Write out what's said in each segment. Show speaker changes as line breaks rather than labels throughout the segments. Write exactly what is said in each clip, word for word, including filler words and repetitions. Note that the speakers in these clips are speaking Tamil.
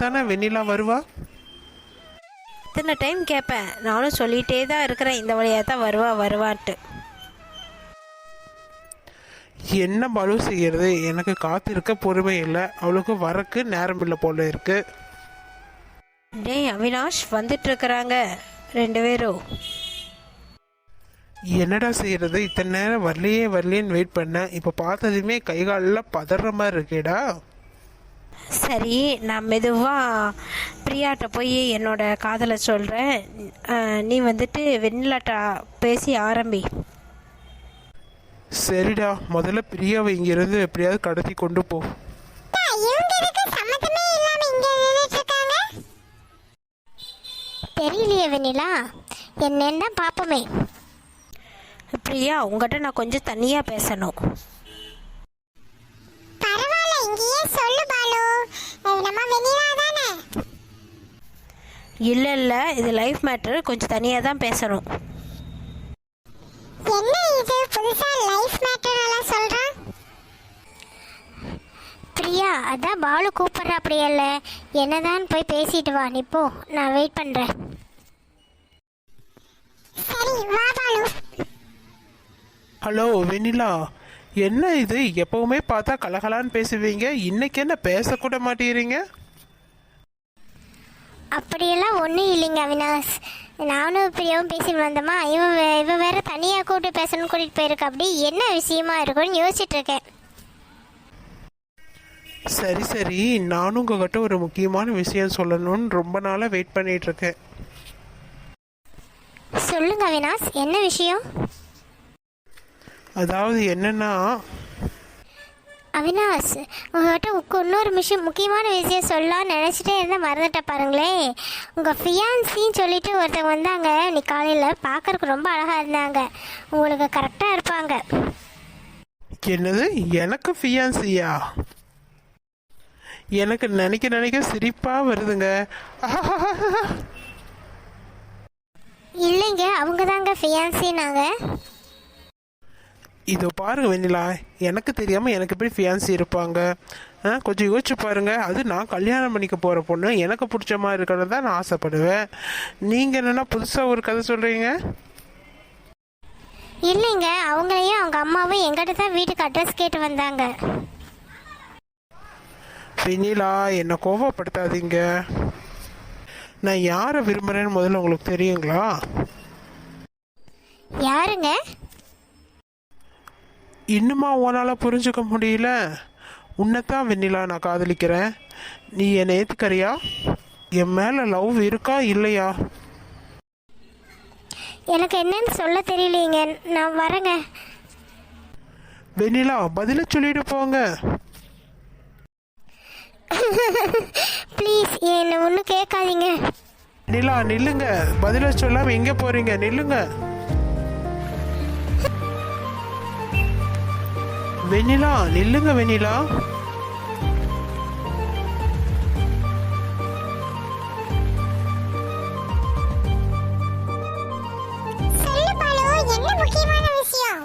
தானே வெண்ணிலா வருவா.
இத்தனை டைம் கேட்பேன், நானும் சொல்லிகிட்டே தான் இருக்கிறேன் இந்த வழியாக தான் வருவா வருவான்ட்டு.
என்ன பாலு செய்யறது, எனக்கு காத்திருக்க பொறுமை இல்லை, அவளுக்கு வரக்கு நேரம் இல்லை போல இருக்கு.
டேய் அவினாஷ், வந்துட்டு இருக்கிறாங்க ரெண்டு பேரும்.
என்னடா செய்யறது, இத்தனை நேரம் வரலையே வரலையேன்னு வெயிட் பண்ணேன். இப்போ பார்த்ததுமே கை காலில் பதற மாதிரி இருக்கேடா.
சரி, நான் மெதுவாக பிரியாட்ட போய் என்னோட காதலை சொல்கிறேன். நீ வந்துட்டு வெண்ணிலாட்டா பேசி ஆரம்பி.
சரிடா, முதல்ல பிரியாவை இங்கிருந்து எப்படியாவது கடத்தி கொண்டு போ.
தெரியலையே வெண்ணிலா, என்னன்னு தான் பார்ப்போமே.
பிரியா, உங்கள்கிட்ட நான் கொஞ்சம் தனியாக பேசணும்.
பரவாயில்ல, இங்கேயே சொல்லு பாலு, நம்ம வெண்ணிலா தானே.
இல்லை இல்லை, இது லைஃப் மேட்ரு, கொஞ்சம் தனியாக தான் பேசணும்.
என்ன இது புதுசா லைஃப் மேட்டர் எல்லாம் சொல்றான்? பிரியா, அதான் பாலு கூப்பிடுற, அப்படியே இல்ல, என்னதான் போய் பேசிட்டு வா. நீ போ, நான் வெயிட் பண்றேன். சரி வா பாலு.
ஹலோ வெண்ணிலா, என்ன இது, எப்பவுமே பார்த்தா கலகலான்னு பேசுவீங்க, இன்னைக்கு என்ன பேசக்கூட மாட்டேறீங்க?
அப்படியெல்லாம் ஒன்றும் இல்லைங்க அவினாஷ், நானும் பிரியாவும் பேசிட்டு வந்தோமா, இவன் இவன் வேற தனியாக கூப்பிட்டு பேசணும்னு கூட்டிகிட்டு போயிருக்க. அப்படி என்ன விஷயமா இருக்கும்னு யோசிச்சுட்டு இருக்கேன்.
சரி சரி, நானும் உங்ககிட்ட ஒரு முக்கியமான விஷயம் சொல்லணும்னு ரொம்ப நாளாக வெயிட் பண்ணிட்டு இருக்கேன்.
சொல்லுங்க அவினாஷ், என்ன விஷயம்?
அதாவது என்னன்னா,
அவினாஷ், உங்கள்கிட்ட இன்னொரு விஷயம், முக்கியமான விஷயம் சொல்லலாம்னு நினச்சிட்டே இருந்தால் மறந்துட்ட பாருங்களே. உங்கள் ஃபியான்சின்னு சொல்லிட்டு ஒருத்தவங்க வந்தாங்க நீ காலையில், பார்க்கறதுக்கு ரொம்ப அழகாக இருந்தாங்க, உங்களுக்கு கரெக்டாக இருப்பாங்க.
என்னது, எனக்கு ஃபியான்சியா? எனக்கு நினைக்க நினைக்க சிரிப்பாக வருதுங்க.
இல்லைங்க, அவங்க தாங்க ஃபியான்சினாங்க.
இதோ பாருங்க வெண்ணிலா, எனக்கு தெரியாமல் எனக்கு எப்படி ஃபியான்சி இருப்பாங்க? ஆ, கொஞ்சம் யோசிச்சு பாருங்க. அது நான் கல்யாணம் பண்ணிக்க போகிற பொண்ணு, எனக்கு பிடிச்ச மாதிரி இருக்கிறது தான் நான் ஆசைப்படுவேன். நீங்கள் என்னென்னா புதுசாக ஒரு கதை சொல்கிறீங்க?
இல்லைங்க, அவங்களையும் அவங்க அம்மாவும் எங்கிட்ட தான் வீட்டுக்கு அட்ரஸ் கேட்டு வந்தாங்க.
வெண்ணிலா, என்னை கோபப்படுத்தாதீங்க. நான் யாரை விரும்புகிறேன்னு முதல்ல உங்களுக்கு தெரியுங்களா?
யாருங்க?
இன்னுமா உன்னால் புரிஞ்சுக்க முடியல? உன்னைத்தான் வெண்ணிலா நான் காதலிக்கிறேன். நீ என்னை ஏற்றுக்கறியா? என் மேலே லவ் இருக்கா இல்லையா?
எனக்கு என்னன்னு சொல்ல தெரியலீங்க, நான் வரேங்க.
வெண்ணிலா, பதில சொல்லிட்டு போங்க.
ப்ளீஸ் என்ன ஒன்றும் கேட்காதீங்க.
வெண்ணிலா நில்லுங்க, பதில சொல்லாம எங்கே போறீங்க? நில்லுங்க வெண்ணிலா, நில்லுங்க வெண்ணிலா.
சொல்லு பாலு, என்ன முக்கியமான விஷயம்?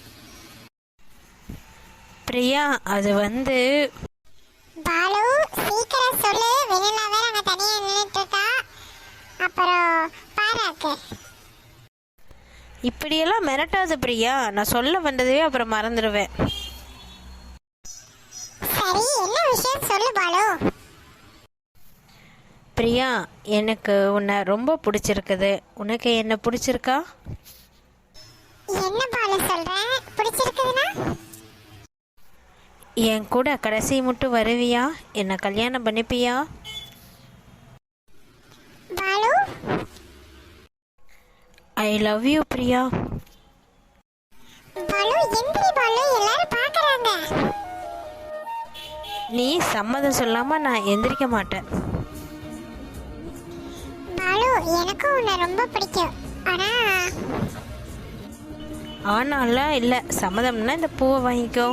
பிரியா, அது வந்து
பாலு சீக்கிரம் சொல்லு, வெண்ணிலா வேற அங்க தனியா நின்னுட்டு இருக்கா, அப்புறம் பாராக்கு.
இப்படியெல்லாம் மிரட்டாது பிரியா, நான் சொல்ல வந்ததே அப்புறம் மறந்துடுவேன்.
சரி, என்ன விஷயம் சொல்லு பாலு.
பிரியா, எனக்கு உன்னை ரொம்ப பிடிச்சிருக்குது. உனக்கு என்ன பிடிச்சிருக்கா?
என்ன பாலு சொல்ற, பிடிச்சிருக்குதுன்னா?
என் கூட கடைசி மட்டும் வருவியா? என்னை கல்யாணம் பண்ணிப்பியா?
Balu,
I love you Priya.
Balu எந்திரி பாலு, எல்லாரும் பார்க்கறாங்க.
நீ சம்மதம் சொல்லாம நான் எந்திரிக்க மாட்டேன்.
பாலு, எனக்கும் உன்னை ரொம்ப பிடிக்கும். ஆனா
ஆனாலாம் இல்லை, சம்மதம்னா இந்த பூவை வாங்கிக்கோ.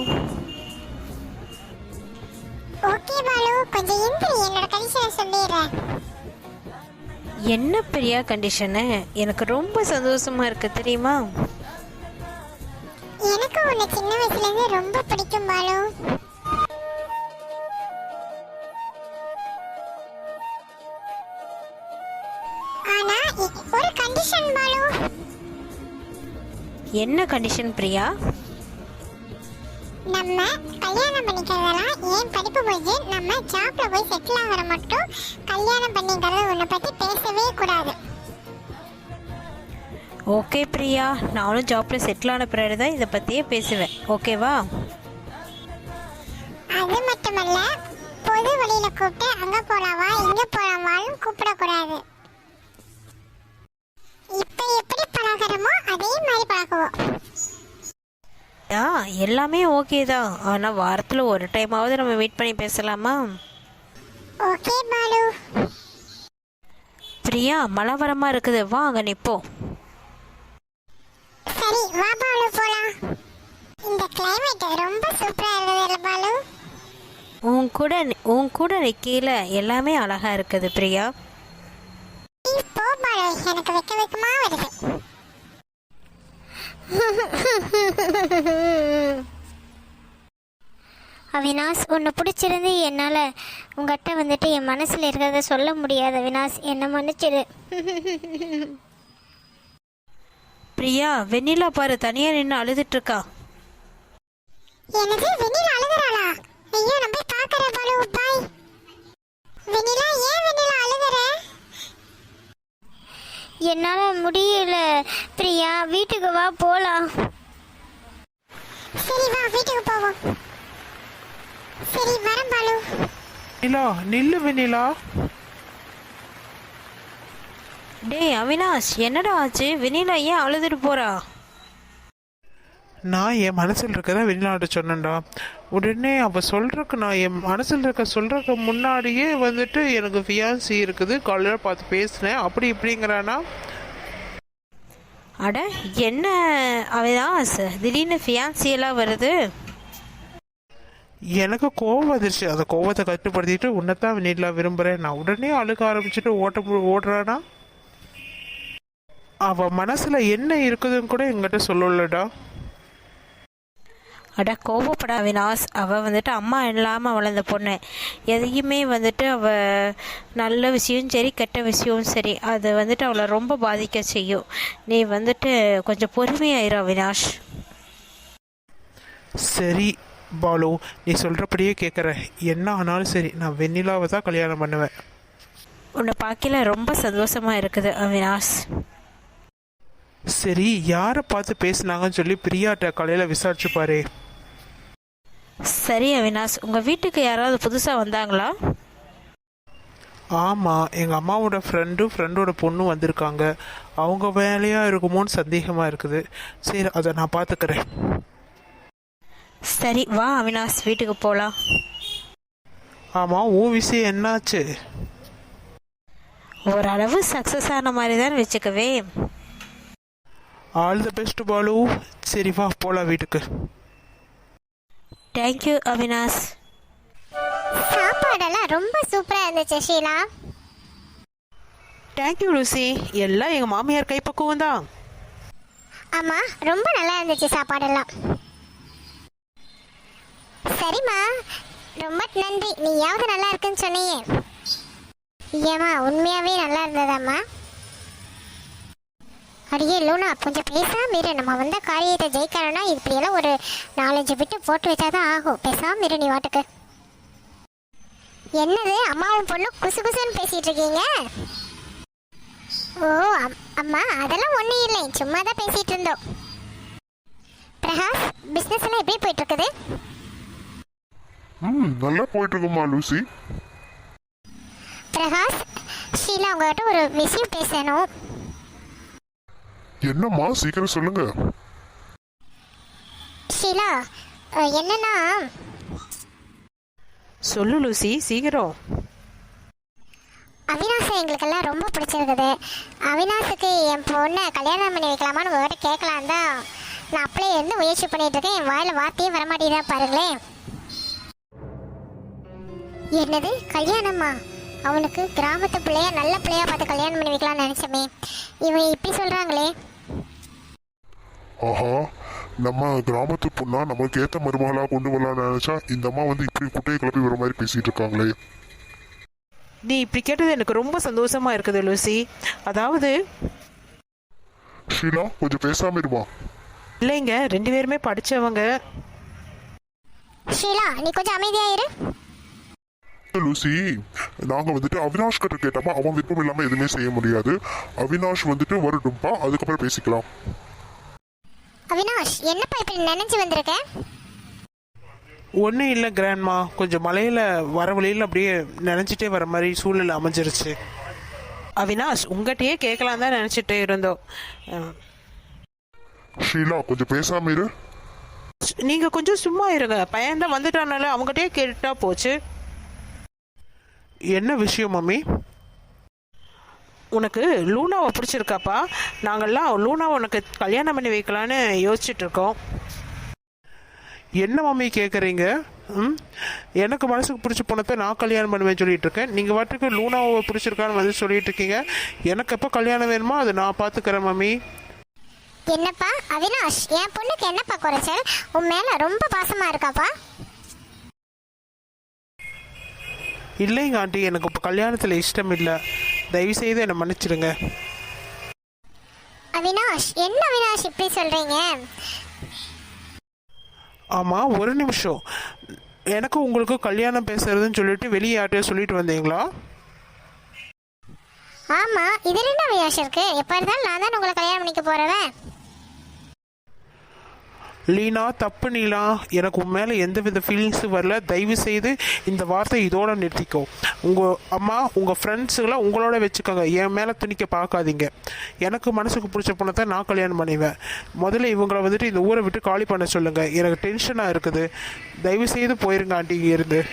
ஓகே பாலு, கொஞ்சம் எந்திரி, என்னோட கண்டிஷனை சொல்லிடுறேன்.
என்ன பிரியா கண்டிஷனு? எனக்கு ரொம்ப சந்தோஷமா இருக்கு தெரியுமா?
எனக்கு உன்னை சின்ன வயசுல இருந்து ரொம்ப பிடிக்கும் பாலு.
என்ன கண்டிஷன் பிரியா?
நம்ம கல்யாணம் பண்ணிக்கிறதெல்லாம் ஏன் படிப்பு போய் நம்ம ஜாப்ல போய் செட்டில் ஆகிற மட்டும் கல்யாணம் பண்ணிக்கிறது உன்னை பத்தி பேசவே கூடாது.
ஓகே பிரியா, நானும் ஜாப்பில் செட்டில் ஆன பிறகு தான் இதை பற்றியே பேசுவேன். ஓகேவா?
அது மட்டுமல்ல, பொது வழியில கூப்பிட்டு அங்க போலாவா இங்க போலாவாலும் கூப்பிடக்கூடாது. இப்ப எப்படி பழகிறோமோ அதே மாதிரி பழகுவோம்.
ஆ எல்லாமே ஓகே தான், ஆனால் வாரத்தில் ஒரு டைமாவது நம்ம மீட் பண்ணி பேசலாமா?
ஓகே பாலு.
பிரியா, மழை வரமாக இருக்குது, வா அங்கே நிற்போம்.
சரி வா பாலு போலாம். இந்த கிளைமேட் ரொம்ப சூப்பரா இருக்குது பாலு.
உன் கூட உன் கூட நிற்கையில் எல்லாமே அழகாக இருக்குது பிரியா.
நீ போ பாலு, எனக்கு வெக்க வெக்கமா வருது. அவினாஷ், உன்னை பிடிச்சிருந்து என்னால் உங்கள்கிட்ட வந்துட்டு என் மனசில் இருக்கிறத சொல்ல முடியாது. அவினாஷ், என்னை மன்னிச்சிடு.
பிரியா, வெண்ணிலா பாரு தனியாக நின்று அழுதுட்டு இருக்கா.
எனக்கு வெண்ணிலா அழுகுறாளா? ஐயோ, நம்ம போய் பார்க்கற பாலு. பாய். வெண்ணிலா, ஏன் வெண்ணிலா அழுகுற? என்னால் முடியல பிரியா, வீட்டுக்கு வா போலாம். சரி வா, வீட்டுக்கு போவோம். சரி வரேன் பாலு.
நிலா, நில்லு வெண்ணிலா.
டேய் அவினாஷ், என்னடா ஆச்சு? வெண்ணிலா ஏன் அழுதுட்டு போறா?
நான் என் மனசில் இருக்கதான் வெளிநாட்டு சொன்னேன்டா. உடனே அவள் சொல்கிறக்கு நான் என் மனசில் இருக்க சொல்கிறக்கு முன்னாடியே வந்துட்டு எனக்கு ஃபியான்சி இருக்குது, காலையில் பார்த்து பேசினேன், அப்படி இப்படிங்கிறானா.
அட என்ன அவினாஷ், திடீர்னு ஃபியான்சியெல்லாம் வருது?
எனக்கு கோவம் வந்துருச்சு. அந்த கோவத்தை கட்டுப்படுத்திட்டு உன்னைத்தான் வெண்ணிலா விரும்புகிறேன் நான் உடனே அழுக ஆரம்பிச்சுட்டு ஓட்ட ஓடுறானா. அவள் மனசில் என்ன இருக்குதுன்னு கூட எங்கிட்ட சொல்லலடா.
அட கோவப்பட அவினாஷ், அவள் வந்துட்டு அம்மா இல்லாமல் வளர்ந்த பொண்ணு. எதையுமே வந்துட்டு அவள் நல்ல விஷயம் சரி கெட்ட விஷயம் சரி அது வந்துட்டு அவளை ரொம்ப பாதிக்க செய்யும். நீ வந்துட்டு கொஞ்சம் பொறுமையாயிரு அவினாஷ்.
சரி பாலு, நீ சொல்கிறபடியே கேட்குறேன். என்ன ஆனாலும் சரி, நான் வெண்ணிலாவை தான் கல்யாணம் பண்ணுவேன்.
உன்னை பார்க்கல ரொம்ப சந்தோஷமாக இருக்குது அவினாஷ்.
சரி, யாரை பார்த்து பேசுனாங்கன்னு சொல்லி பிரியாட்ட காலையில் விசாரிச்சு பாரு.
சரி அவினாஷ், உங்கள் வீட்டுக்கு யாராவது புதுசாக வந்தாங்களா?
ஆமாம், எங்கள் அம்மாவோட ஃப்ரெண்டும் ஃப்ரெண்டோட பொண்ணும் வந்திருக்காங்க. அவங்க வேலையாக இருக்குமோன்னு சந்தேகமாக இருக்குது. சரி, அதை நான் பார்த்துக்கிறேன்.
சரி வா அவினாஷ், வீட்டுக்கு போகலாம்.
ஆமாம், உன் விஷயம் என்னாச்சு?
ஓரளவு சக்ஸஸ் ஆன மாதிரி தான் வச்சுக்கவே.
All the best Balu. சரி வா போகலாம் வீட்டுக்கு.
தேங்க்யூ அவினாஷ்.
சாப்பாடெல்லாம் ரொம்ப சூப்பரா இருந்துச்சு ஷீலா.
தேங்க்யூ லூசி, எல்லாம் எங்கள் மாமியார் கைப்பக்குவம் தான்.
ஆமா, ரொம்ப நல்லா இருந்துச்சு சாப்பாடெல்லாம். சரிம்மா, ரொம்ப நன்றி. நீயாவது நல்லா இருக்குன்னு சொன்னியே. ஏம்மா, உண்மையாவே நல்லா இருந்ததாம்மா? அடியே லூனா, கொஞ்சம் பேசாம இரு. நம்ம வந்த காரியத்தை ஜெயிக்கணும்னா இப்படியெல்லாம் ஒரு நாலஞ்சு விட்டு போட்டு வச்சாதான் ஆகும். பேசாம இரு நீ வாட்டுக்கு. என்னது அம்மாவும் பொண்ணும் குசு குசுன்னு பேசிட்டு இருக்கீங்க? ஓ அம்மா, அதெல்லாம் ஒன்றும் இல்லை, சும்மா தான் பேசிட்டு இருந்தோம். பிரகாஷ், பிஸ்னஸ் எல்லாம் எப்படி போயிட்டு இருக்குது?
ம் நல்லா போயிட்டு இருக்குமா லூசி.
பிரகாஷ், ஷீலா உங்ககிட்ட ஒரு விஷயம் பேசணும்.
என்னம்மா, சீக்கிரம் சொல்லுங்க.
ஷீலா, என்னன்னா
சொல்லு லூசி, சீக்கிரம்.
அவினாஷை எங்களுக்கெல்லாம் ரொம்ப பிடிச்சிருக்குது. அவினாஷுக்கு என் பொண்ணை கல்யாணம் பண்ணி வைக்கலாமான்னு உங்கள்கிட்ட கேட்கலாம் தான் நான் அப்படியே இருந்து முயற்சி பண்ணிட்டு இருக்கேன். என் வாயில் வார்த்தையே வரமாட்டேதான் பாருங்களேன். என்னது கல்யாணமா? அவனுக்கு கிராமத்து பிள்ளையா நல்ல பிள்ளையா பார்த்து கல்யாணம் பண்ணி வைக்கலாம்னு நினைச்சமே, இவன் இப்படி சொல்றாங்களே.
ஆஹா, நம்ம கிராமத்து பொண்ணா நம்மளுக்கு ஏற்ற மருமகளா கொண்டு வரலாம்னு நினைச்சா இந்த அம்மா வந்து இப்படி குட்டையை கிளப்பி வர மாதிரி பேசிட்டு இருக்காங்களே.
நீ இப்படி கேட்டது எனக்கு ரொம்ப சந்தோஷமா இருக்குது லூசி. அதாவது
ஷீலா, கொஞ்சம் பேசாம இருமா.
இல்லைங்க, ரெண்டு பேருமே படித்தவங்க.
ஷீலா நீ கொஞ்சம் அமைதியா இரு.
லூசி, நாங்க வந்துட்டு அவினாஷ் கிட்ட கேட்டோமா, அவன் விருப்பம் இல்லாம எதுவுமே செய்ய முடியாது. அவினாஷ் வந்துட்டு வரட்டும்பா, அதுக்கப்புறம் பேசிக்கலாம்.
அவினாஷ் என்னப்பா இப்படி நினைச்சு வந்திருக்க?
ஒன்றும் இல்லை கிராண்ட்மா, கொஞ்சம் மலையில் வர வழியில் அப்படியே நினச்சிட்டே வர மாதிரி சூழ்நிலை அமைஞ்சிருச்சு.
அவினாஷ், உங்கள்கிட்டயே கேட்கலாம் தான் நினச்சிட்டு இருந்தோம். அஹ்,
ஷீலா கொஞ்சம் பேசாம இரு.
நீங்க கொஞ்சம் சும்மா இருங்க. பையன் தான் வந்துட்டானால அவங்ககிட்டயே கேட்டா போச்சு.
என்ன விஷயம் மம்மி?
உனக்கு லூனாவை பிடிச்சிருக்காப்பா? நாங்கள்லாம் லூனாவை உனக்கு கல்யாணம் பண்ணி வைக்கலான்னு யோசிச்சுட்டு இருக்கோம்.
என்ன மம்மி கேட்குறீங்க? ம் எனக்கு மனசுக்கு பிடிச்ச பொண்ணத்தை நான் கல்யாணம் பண்ணுவேன் சொல்லிட்டு இருக்கேன். நீங்கள் வாட்டுக்கு லூனாவை பிடிச்சிருக்கான்னு வந்து சொல்லிட்டு இருக்கீங்க. எனக்கு எப்போ கல்யாணம் வேணுமோ அதை நான் பார்த்துக்கிறேன் மம்மி.
என்னப்பா அவினாஷ், என் பொண்ணுக்கு என்னப்பா குறைச்சல்? உன் மேல ரொம்ப பாசமா இருக்காப்பா.
இல்லைங்க ஆண்டி, எனக்கு இப்போ கல்யாணத்தில் இஷ்டம் இல்லை. தயவுசெய்து என்னை மன்னிச்சிடுங்க.
அவினாஷ், என்ன அவினாஷ் இப்படி சொல்றீங்க?
ஆமாம், ஒரு நிமிஷம். எனக்கு உங்களுக்கு கல்யாணம் பேசுறதுன்னு சொல்லிட்டு வெளியே யார்ட்டையோ சொல்லிட்டு வந்தீங்களா?
ஆமா, இதுல என்ன அவினாஷ் இருக்கு? எப்ப இருந்தாலும் நான் தான் உங்களை கல்யாணம் பண்ணிக்க போறவன்.
லீனா, தப்பு நீலா. எனக்கு உன் மேலே எந்த வித ஃபீலிங்ஸும் வரல. தயவு செய்து இந்த வார்த்தை இதோட நிறுத்திக்கோ. உங்கள் அம்மா உங்கள் ஃப்ரெண்ட்ஸுகளை உங்களோட வச்சுக்கோங்க. என் மேலே துணிக்க பார்க்காதீங்க. எனக்கு மனசுக்கு பிடிச்ச பொண்ணை நான் கல்யாணம் பண்ணிவேன். முதல்ல இவங்களை வந்துட்டு இந்த ஊரை விட்டு காலி பண்ண சொல்லுங்கள். எனக்கு டென்ஷனாக இருக்குது. தயவு செய்து போயிருங்க ஆண்டி இங்கே இருந்து.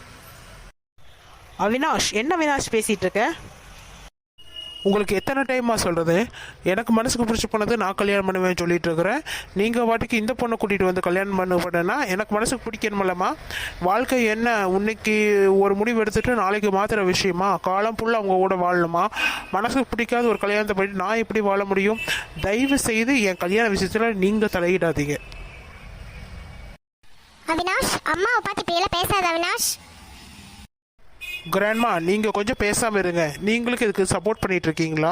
அவினாஷ், என்ன அவினாஷ் பேசிட்டு இருக்க?
உங்களுக்கு எத்தனை டைமாக சொல்கிறது? எனக்கு மனசுக்கு பிடிச்ச பொண்ணது நான் கல்யாணம் பண்ணுவேன் சொல்லிட்டு இருக்கிறேன். நீங்கள் வாட்டிக்கு இந்த பொண்ணை கூட்டிகிட்டு வந்து கல்யாணம் பண்ண பண்ணனா எனக்கு மனசுக்கு பிடிக்கணுமில்லம்மா. வாழ்க்கை என்ன, இன்னைக்கு ஒரு முடிவு எடுத்துகிட்டு நாளைக்கு மாத்திர விஷயமா? காலம் ஃபுல்லாக அவங்க கூட வாழணுமா? மனசுக்கு பிடிக்காத ஒரு கல்யாணத்தை பண்ணி நான் எப்படி வாழ முடியும்? தயவு செய்து என் கல்யாண விஷயத்தில் நீங்கள் தலையிடாதீங்க.
அவினாஷ், அம்மாவை பார்த்து இப்படி எல்லாம் பேசாத அவினாஷ்.
கிராண்ட்மா, நீங்கள் கொஞ்சம் பேசாமல் இருங்க. நீங்களுக்கு இதுக்கு சப்போர்ட் பண்ணிட்டு இருக்கீங்களா?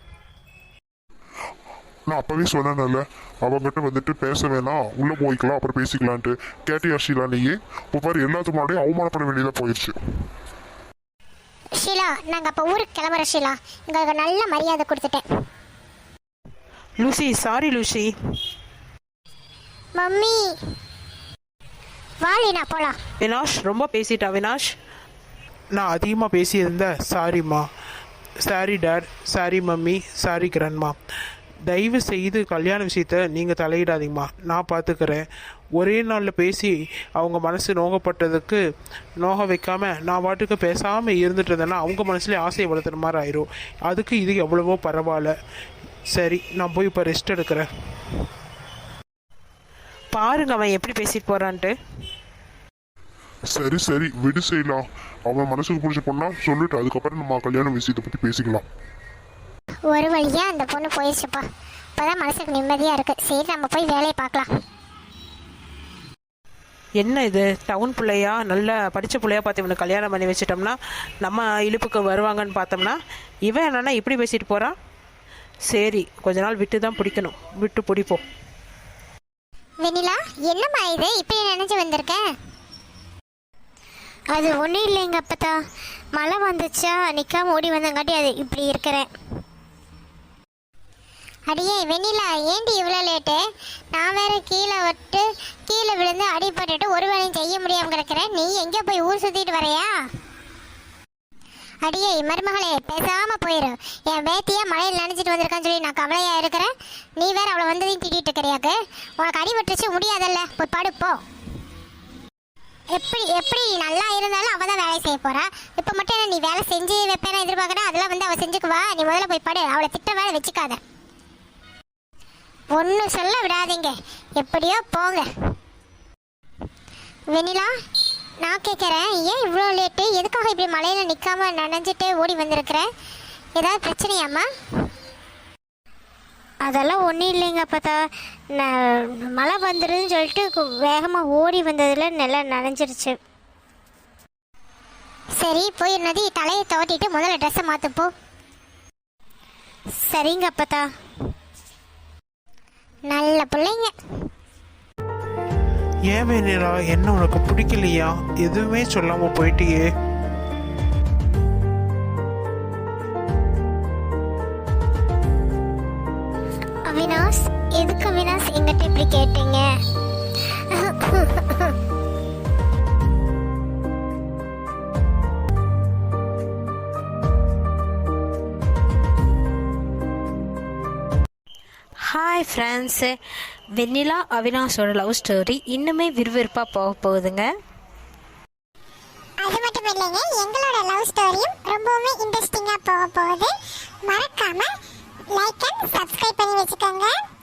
நான் அப்பவே சொன்னேன்ல, அவங்ககிட்ட வந்துட்டு பேச வேணாம், உள்ள போய்க்கலாம், அப்புறம் பேசிக்கலான்ட்டு. கேட்டியா ஷீலா? நீயே இப்போ பாரு, எல்லாத்துக்கு முன்னாடியும் அவமானப்பட வேண்டியதாக போயிடுச்சு.
ஷீலா, நாங்க அப்ப ஊருக்கு கிளம்புற ஷீலா. உங்களுக்கு நல்ல மரியாதை கொடுத்துட்டேன்.
Lucy, sorry Lucy.
மம்மி வாலினா போலாம்.
அவினாஷ், ரொம்ப பேசிட்டா அவினாஷ்.
நான் அதிகமாக பேசியிருந்தேன், சாரிம்மா. Sorry dad, sorry mummy, sorry grandma. தயவு செய்து கல்யாண விஷயத்த நீங்கள் தலையிடாதீங்கம்மா, நான் பார்த்துக்கிறேன். ஒரே நாளில் பேசி அவங்க மனசு நோகப்பட்டதுக்கு நோக வைக்காமல் நான் வாட்டுக்கு பேசாமல் இருந்துட்டு இருந்தேன்னா அவங்க மனசுலேயே ஆசையை வளர்த்துற மாதிரி ஆயிரும். அதுக்கு இது எவ்வளவோ பரவாயில்ல. சரி, நான் போய் இப்போ ரெஸ்ட் எடுக்கிறேன்.
பாருங்க அவன் எப்படி பேசிட்டு போறான்ட்டு.
சரி சரி விடு செய்யலாம். அவன் மனசுக்கு பிடிச்ச பொண்ணா சொல்லிட்டு அதுக்கப்புறம் நம்ம கல்யாண விஷயத்தை பற்றி பேசிக்கலாம்.
ஒரு வழியா அந்த பொண்ணு போயிடுச்சுப்பா. இப்பதான் மனசுக்கு நிம்மதியா இருக்கு. சரி, நம்ம போய் வேலையை பார்க்கலாம்.
என்ன இது, டவுன் பிள்ளையா, நல்ல படித்த பிள்ளையா பார்த்து இவனுக்கு கல்யாணம் பண்ணி வச்சிட்டோம்னா நம்ம இழுப்புக்கு வருவாங்கன்னு பார்த்தோம்னா இவன் என்னன்னா இப்படி பேசிட்டு போகிறான். சரி, கொஞ்ச நாள் விட்டு தான் பிடிக்கணும், விட்டு பிடிப்போம்.
வெண்ணிலா, என்னம்மா இது இப்படி நினைச்சு வந்திருக்கேன்?
அது ஒன்றும் இல்லைங்க அப்பத்தா, மழை வந்துச்சா நிற்காம ஓடி வந்தங்காட்டி அது இப்படி இருக்கிறேன்.
அடியே வெண்ணிலா, ஏண்டி இவ்வளோ லேட்டு? நான் வேற கீழே விட்டு கீழே விழுந்து அடிபட்டுட்டு ஒரு வேலையும் செய்ய முடியாமல் கிடக்கிறேன். நீ எங்கே போய் ஊர் சுற்றிட்டு வரையா? அடியே மருமகளே, பேசாமல் போயிரு. என் பேத்தியா மழையில் நினைச்சிட்டு வந்திருக்கான்னு சொல்லி நான் கவலையாக இருக்கிறேன். நீ வேற அவளை வந்ததையும் திட்டிகிட்டு இருக்கிறியாக்கு. உனக்கு அடிபட்டுச்சு, முடியாதல்ல, போய் படுப்போ. எப்படி எப்படி நல்லா இருந்தாலும் அவள் தான் வேலை செய்ய போறா. இப்போ மட்டும் என்ன நீ வேலை செஞ்சு வைப்பேன எதிர்பார்க்குறா? அதெல்லாம் வந்து அவள் செஞ்சுக்குவா. நீ முதல்ல போய் படு. அவளை திட்ட வேலை வச்சுக்காத. ஒன்றும் சொல்ல விடாதீங்க, எப்படியோ போங்க. வெண்ணிலா, நான் கேட்குறேன், ஏன் இவ்வளோ லேட்டு? எதுக்காக இப்படி மழையில் நிற்காம நனைஞ்சிட்டு ஓடி வந்திருக்கிற? ஏதாவது பிரச்சனையாம்மா?
அதெல்லாம் ஒன்றும் இல்லைங்க அப்பத்தா, நான் மழை வந்துடுதுன்னு சொல்லிட்டு வேகமாக ஓடி வந்ததில் நல்லா நனைஞ்சிருச்சு.
சரி, போய் நதி தலையை துவட்டிட்டு முதல்ல ட்ரெஸ்ஸை மாற்றுப்போ.
சரிங்க அப்பத்தா.
நல்ல பிள்ளைங்க.
ஏன் வெண்ணிலா, என்ன உனக்கு பிடிக்கலையா? எதுவுமே சொல்லாம போயிட்டியே.
அவினாஷ், எதுக்கு அவினாஷ் எங்கிட்ட இப்படி கேட்டீங்க?
ஹாய் ஃப்ரெண்ட்ஸு, வெண்ணிலா அவினாஷோட லவ் ஸ்டோரி இன்னுமே விறுவிறுப்பாக போக போகுதுங்க.
அது மட்டும் இல்லைங்க, எங்களோட லவ் ஸ்டோரியும் ரொம்பவுமே இன்ட்ரெஸ்டிங்காக போக போகுது. மறக்காம லைக் அண்ட் சப்ஸ்கிரைப் பண்ணி வச்சுக்கோங்க.